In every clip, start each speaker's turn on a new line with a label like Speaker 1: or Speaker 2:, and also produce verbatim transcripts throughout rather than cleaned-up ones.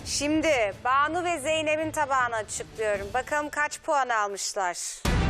Speaker 1: Şimdi Banu ve Zeynep'in tabağını açıklıyorum. Bakalım kaç puan almışlar.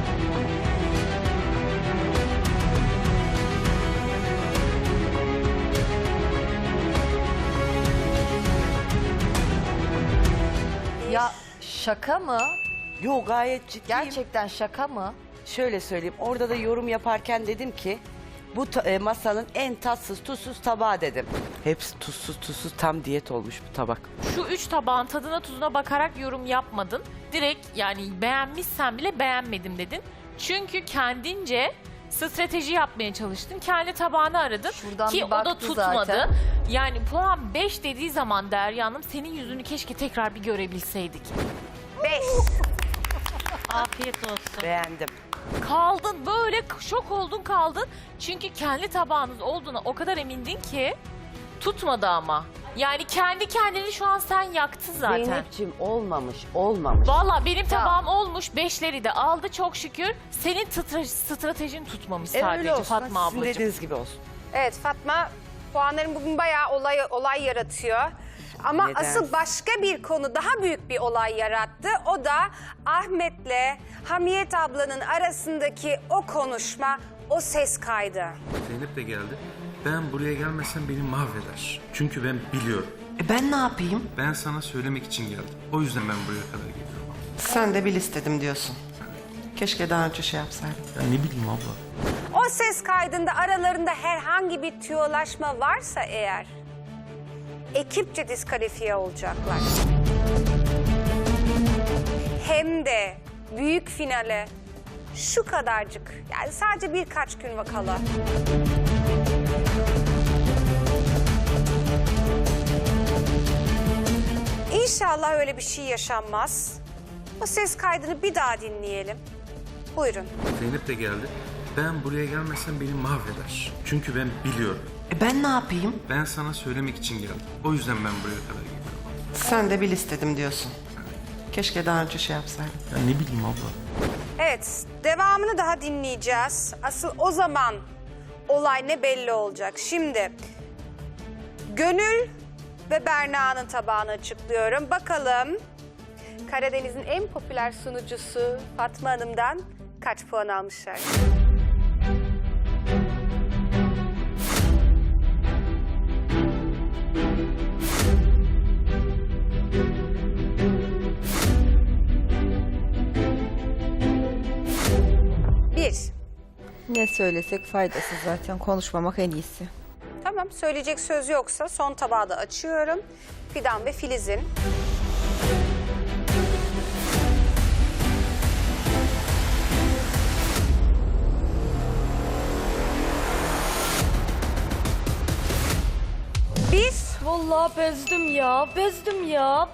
Speaker 2: Ya şaka mı?
Speaker 3: Yo, gayet ciddiyim.
Speaker 2: Gerçekten şaka mı?
Speaker 3: Şöyle söyleyeyim, orada da yorum yaparken dedim ki bu ta- e, masanın en tatsız tuzsuz tabağı dedim. Hepsi tuzsuz tuzsuz, tam diyet olmuş bu tabak.
Speaker 4: Şu üç tabağın tadına tuzuna bakarak yorum yapmadın. Direkt yani beğenmişsen bile beğenmedim dedin. Çünkü kendince strateji yapmaya çalıştın. Kendi tabağını aradın
Speaker 2: Şuradan
Speaker 4: ki
Speaker 2: bir
Speaker 4: o da
Speaker 2: baktı
Speaker 4: tutmadı.
Speaker 2: zaten.
Speaker 4: Yani puan beş dediği zaman Derya Hanım senin yüzünü keşke tekrar bir görebilseydik.
Speaker 1: Beş.
Speaker 4: Afiyet olsun.
Speaker 3: Beğendim.
Speaker 4: Kaldın böyle şok oldun kaldın. Çünkü kendi tabağınız olduğuna o kadar emindin ki tutmadı ama. Yani kendi kendini şu an sen yaktın zaten.
Speaker 3: Zeynep'ciğim olmamış, olmamış.
Speaker 4: Valla benim tabağım olmuş, beşleri de aldı çok şükür. Senin tıtra- stratejin tutmamış
Speaker 3: E,
Speaker 4: sadece
Speaker 3: öyle olsun.
Speaker 4: Fatma
Speaker 3: Sizin
Speaker 4: ablacığım.
Speaker 3: dediğiniz gibi olsun.
Speaker 1: Evet Fatma, puanların bugün bayağı olay, olay yaratıyor. Ama
Speaker 3: Neden?
Speaker 1: asıl başka bir konu daha büyük bir olay yarattı. O da Ahmet'le Hamiyet ablanın arasındaki o konuşma, o ses kaydı.
Speaker 5: Zeynep de geldi. Ben buraya gelmesem beni mahveder. Çünkü ben biliyorum.
Speaker 6: E ben ne yapayım?
Speaker 5: Ben sana söylemek için geldim. O yüzden ben buraya kadar geliyorum.
Speaker 6: Sen de bil istedim diyorsun. Keşke daha önce şey yapsaydın.
Speaker 5: Ya ne bileyim abla.
Speaker 1: O ses kaydında aralarında herhangi bir tüyolaşma varsa eğer ekipçe diskalifiye olacaklar. Hem de büyük finale şu kadarcık, yani sadece birkaç gün kala. İnşallah öyle bir şey yaşanmaz. O ses kaydını bir daha dinleyelim. Buyurun.
Speaker 5: Zeynep de geldi. Ben buraya gelmesem beni mahveder. Çünkü ben biliyorum.
Speaker 6: E ben ne yapayım?
Speaker 5: Ben sana söylemek için geldim. O yüzden ben buraya kadar geliyorum.
Speaker 6: Sen de bil istedim diyorsun. Keşke daha önce şey yapsaydın.
Speaker 5: Ya ne bileyim abla.
Speaker 1: Evet, devamını daha dinleyeceğiz. Asıl o zaman olay ne belli olacak. Şimdi Gönül ve Berna'nın tabağını açıklıyorum. Bakalım Karadeniz'in en popüler sunucusu Fatma Hanım'dan kaç puan almışlar? Bir.
Speaker 7: Ne söylesek faydasız zaten. Konuşmamak en iyisi.
Speaker 1: Tamam, söyleyecek söz yoksa son tabağı da açıyorum. Fidan ve Filiz'in. Bir.
Speaker 8: Vallahi bezdim ya, bezdim ya.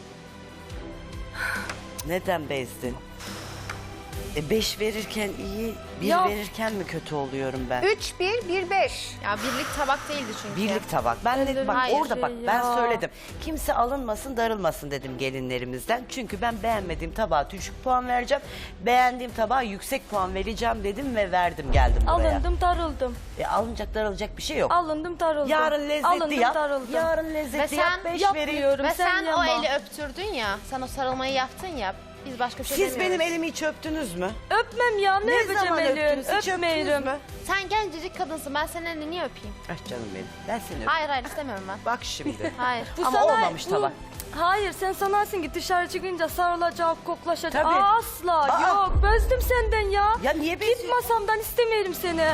Speaker 3: Neden bezdin? E beş verirken iyi, bir
Speaker 8: Ya-
Speaker 3: verirken mi kötü oluyorum ben?
Speaker 1: Üç, bir, bir, beş.
Speaker 9: Ya birlik tabak değildi çünkü.
Speaker 3: Birlik tabak. Ben de bak
Speaker 9: Hayır,
Speaker 3: orada bak
Speaker 8: ya.
Speaker 3: ben söyledim. Kimse alınmasın, darılmasın dedim gelinlerimizden. Çünkü ben beğenmediğim tabağa düşük puan vereceğim. Beğendiğim tabağa yüksek puan vereceğim dedim ve verdim geldim buraya.
Speaker 8: Alındım, darıldım.
Speaker 3: E, alınacak darılacak bir şey yok.
Speaker 8: Alındım, darıldım.
Speaker 3: Yarın lezzetli
Speaker 8: Alındım,
Speaker 3: yap.
Speaker 8: darıldım.
Speaker 3: Yarın lezzetli
Speaker 9: Ve sen
Speaker 3: yap. Beş vereyim.
Speaker 8: Yapmıyorum,
Speaker 9: Ve sen,
Speaker 8: yapma.
Speaker 9: o eli öptürdün ya, sen o sarılmayı yaptın ya. Biz başka bir şey
Speaker 3: Siz
Speaker 9: demiyoruz.
Speaker 3: benim elimi hiç öptünüz mü?
Speaker 8: Öpmem ya, ne,
Speaker 3: Ne
Speaker 8: öpeceğim
Speaker 3: zaman
Speaker 8: elin?
Speaker 3: öptünüz? Hiç öptünüz
Speaker 8: Öpmeyelim.
Speaker 3: mü?
Speaker 9: Sen gencecik kadınsın, ben senin elini niye öpeyim?
Speaker 3: Ah canım benim. Ben seni öpeyim.
Speaker 9: Hayır hayır istemiyorum ben.
Speaker 3: Bak şimdi.
Speaker 9: Hayır.
Speaker 8: Bu
Speaker 3: Ama
Speaker 8: sana-
Speaker 3: olmamış
Speaker 8: bu-
Speaker 3: tabak.
Speaker 8: Hayır, sen sanarsın ki dışarı çıkınca sarılacak, koklaşacak.
Speaker 3: Tabii.
Speaker 8: Asla,
Speaker 3: Aa.
Speaker 8: yok. Bezdim senden ya.
Speaker 3: Ya niye
Speaker 8: Git
Speaker 3: beziyorsun?
Speaker 8: masamdan, istemeyelim seni.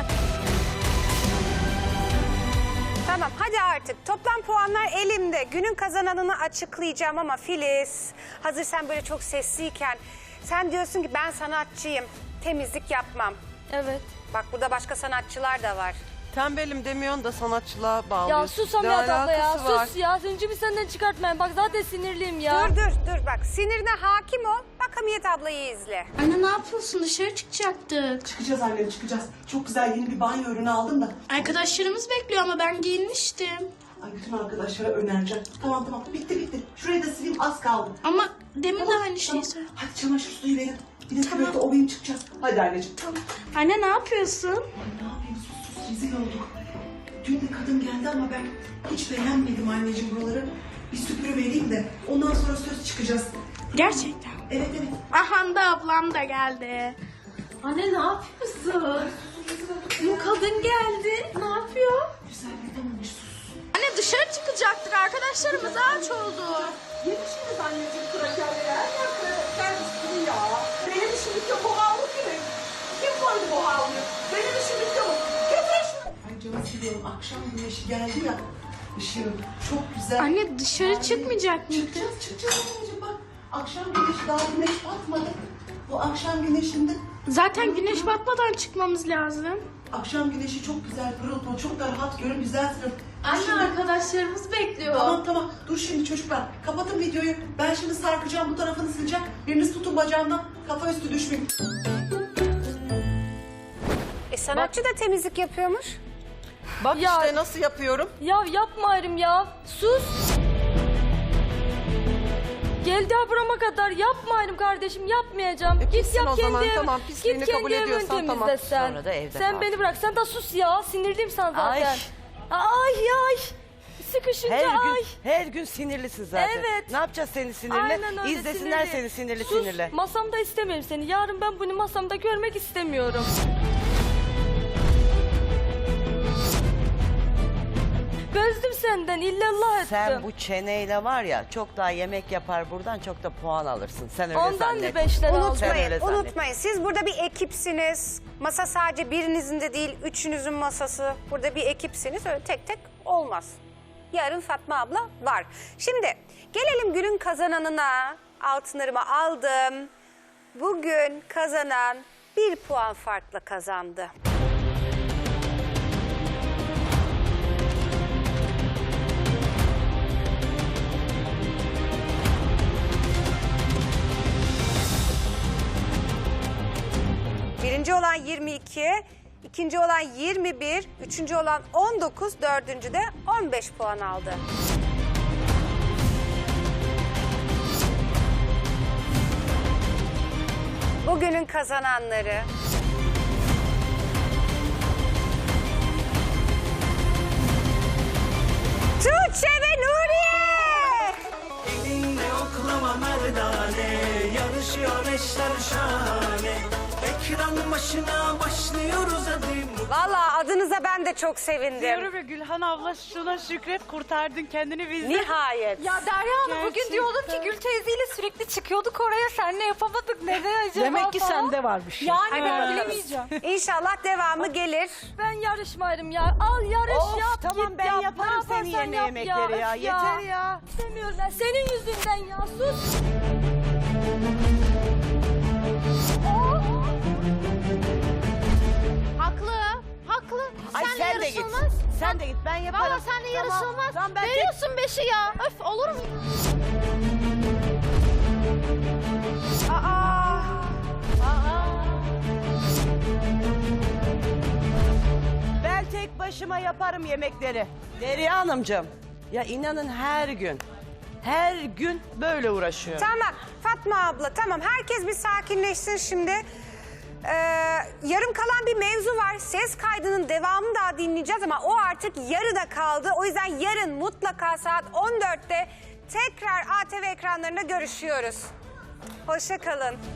Speaker 1: Tamam, hadi artık. Toplam puanlar elimde. Günün kazananını açıklayacağım ama Filiz, hazır sen böyle çok sesliyken sen diyorsun ki ben sanatçıyım, temizlik yapmam.
Speaker 8: Evet.
Speaker 1: Bak burada başka sanatçılar da var.
Speaker 6: Tembelim demiyorsun da sanatçılığa bağlıyorsun.
Speaker 8: Ya sus
Speaker 6: Ne
Speaker 8: Hamiyet abla ya,
Speaker 6: alakası var?
Speaker 8: sus ya. Zincimi senden çıkartmayın. Bak zaten sinirliyim ya.
Speaker 1: Dur dur dur bak, sinirine hakim ol. Bak Hamiyet ablayı izle.
Speaker 10: Anne ne yapıyorsun? Dışarı çıkacaktık.
Speaker 11: Çıkacağız annem çıkacağız. Çok güzel yeni bir banyo ürünü aldım da.
Speaker 10: Arkadaşlarımız bekliyor ama ben giyinmiştim.
Speaker 11: Ay bütün arkadaşlara önereceğim. Tamam tamam bitti bitti. Şurayı da sileyim az kaldı.
Speaker 10: Ama demin de
Speaker 11: Tamam,
Speaker 10: aynı şeyi
Speaker 11: tamam.
Speaker 10: söyledin.
Speaker 11: Hadi çamaşır suyu verin. Bir de tuvalete ovayım çıkacağız. Hadi anneciğim. Tamam.
Speaker 10: Anne ne yapıyorsun?
Speaker 11: Ay ne yapayım sus sus rezil olduk. Dün de kadın geldi ama ben hiç beğenmedim anneciğim buraları. bir süpürüvereyim de ondan sonra söz çıkacağız.
Speaker 10: Gerçekten.
Speaker 11: Evet evet.
Speaker 10: Aha da ablam da geldi. Anne ne yapıyorsun? Bu kadın geldi. Ne yapıyor?
Speaker 11: Güzelletememiş sus.
Speaker 10: Anne dışarı çıkacaktık. Arkadaşlarımız aç oldu.
Speaker 11: Yemişsiniz anneciğim krakerleri. Her yer kraker üstünü ya. Benim işim bitiyor bu havlu kimin? Kim koydu bu havluyu? Benim işim bitiyor. Getir şunu. Ay canım siliyorum. Akşam güneşi geldi ya. Işığım çok güzel.
Speaker 10: Anne dışarı çıkmayacak mıydı?
Speaker 11: Çıkacağız çıkacağız anneciğim bak. Akşam güneşi daha güneş batmadı. Bu akşam güneşinde
Speaker 10: Zaten güneş batmadan çıkmamız lazım.
Speaker 11: akşam güneşi çok güzel pırıl pırıl çok da rahat görün güzelsiniz.
Speaker 10: Anne arkadaşlarımız bekliyor.
Speaker 11: Tamam tamam dur şimdi çocuklar kapatın videoyu. Ben şimdi sarkacağım bu tarafını sileceğim. Biriniz tutun bacağımdan kafa üstü düşmeyin.
Speaker 1: E sanatçı da temizlik yapıyormuş.
Speaker 6: Bak
Speaker 8: Ya-
Speaker 6: işte nasıl yapıyorum.
Speaker 8: Ya yapmayırım ya. Sus. Geldi ha burama kadar yapmayırım kardeşim yapmayacağım.
Speaker 6: E,
Speaker 8: Git
Speaker 6: pissin
Speaker 8: yap
Speaker 6: o
Speaker 8: kendi
Speaker 6: zaman,
Speaker 8: ev-
Speaker 6: tamam, pisliğini
Speaker 8: Git kendi
Speaker 6: kabul
Speaker 8: evini
Speaker 6: ediyorsan
Speaker 8: temizle
Speaker 6: tamam.
Speaker 8: sen.
Speaker 3: Sonra da evde
Speaker 8: Sen
Speaker 3: kal.
Speaker 8: beni bırak. Sen de sus ya. Sinirliyim sana zaten.
Speaker 3: Ay.
Speaker 8: Ay ay. Sıkışınca
Speaker 3: Her
Speaker 8: ay.
Speaker 3: gün, her gün sinirlisin zaten.
Speaker 8: Evet.
Speaker 3: Ne yapacağız seni sinirli?
Speaker 8: Aynen öyle,
Speaker 3: İzlesinler
Speaker 8: sinirli.
Speaker 3: seni sinirli
Speaker 8: Sus,
Speaker 3: sinirli.
Speaker 8: masamda istemiyorum seni. Yarın ben bunu masamda görmek istemiyorum. Bezdim senden illallah ettim.
Speaker 3: Sen bu çeneyle var ya çok daha yemek yapar buradan çok da puan alırsın. Sen öyle
Speaker 8: Ondan
Speaker 3: zannet.
Speaker 8: da beşler aldım.
Speaker 3: Sen öyle
Speaker 1: Unutmayın,
Speaker 3: zannet.
Speaker 1: unutmayın. Siz burada bir ekipsiniz. Masa sadece birinizin de değil, üçünüzün masası. Burada bir ekipsiniz. Öyle tek tek olmaz. Yarın Fatma abla var. Şimdi gelelim günün kazananına. Altınlarımı aldım. Bugün kazanan bir puan farkla kazandı. Birinci olan yirmi iki, ikinci olan yirmi bir, üçüncü olan on dokuz, dördüncü de on beş puan aldı. Bugünün kazananları... Tuğçe ve Nuriye!
Speaker 12: Elinde oklama merdane, yarışıyor eşler şahane. Ekran başına başlıyoruz hadi.
Speaker 1: Vallahi adınıza ben de çok sevindim.
Speaker 7: Diyorum ya Gülhan abla şuna şükret kurtardın kendini bizden.
Speaker 1: Nihayet.
Speaker 8: Ya Derya Hanım bugün diyordum ki Gül teyzeyle sürekli çıkıyorduk oraya. Seninle yapamadık. Neden acaba
Speaker 7: Demek ki
Speaker 8: falan.
Speaker 7: sende var bir şey.
Speaker 8: Yani ben
Speaker 1: bakalım.
Speaker 8: bilemeyeceğim.
Speaker 1: İnşallah devamı gelir.
Speaker 8: Ben yarışmayırım ya. Al yarış
Speaker 3: Of,
Speaker 8: yap
Speaker 3: tamam,
Speaker 8: git
Speaker 3: ben
Speaker 8: yap.
Speaker 3: yaparım
Speaker 8: Ne
Speaker 3: senin
Speaker 8: yaparsan
Speaker 3: yerine
Speaker 8: yap
Speaker 3: yemekleri ya.
Speaker 8: Öf
Speaker 3: Yeter ya.
Speaker 8: İstemiyorum ben. Senin yüzünden ya. Sus.
Speaker 9: Haklı. Haklı.
Speaker 3: Ay
Speaker 9: Senle
Speaker 3: sen de git.
Speaker 9: yarışılmaz.
Speaker 3: Sen de git ben yaparım.
Speaker 9: Valla seninle
Speaker 3: Tamam,
Speaker 9: yarışılmaz.
Speaker 3: Tamam, ben tek-
Speaker 9: Veriyorsun beşi ya. Öf olur mu?
Speaker 1: Aa,
Speaker 3: Ben tek başıma yaparım yemekleri. Derya Hanımcığım. Ya inanın her gün, her gün böyle uğraşıyorum.
Speaker 1: tamam Fatma abla tamam herkes bir sakinleşsin şimdi. Ee, yarım kalan bir mevzu var. Ses kaydının devamını daha dinleyeceğiz ama o artık yarıda kaldı. O yüzden yarın mutlaka saat on dörtte tekrar A T V ekranlarında görüşüyoruz. Hoşça kalın.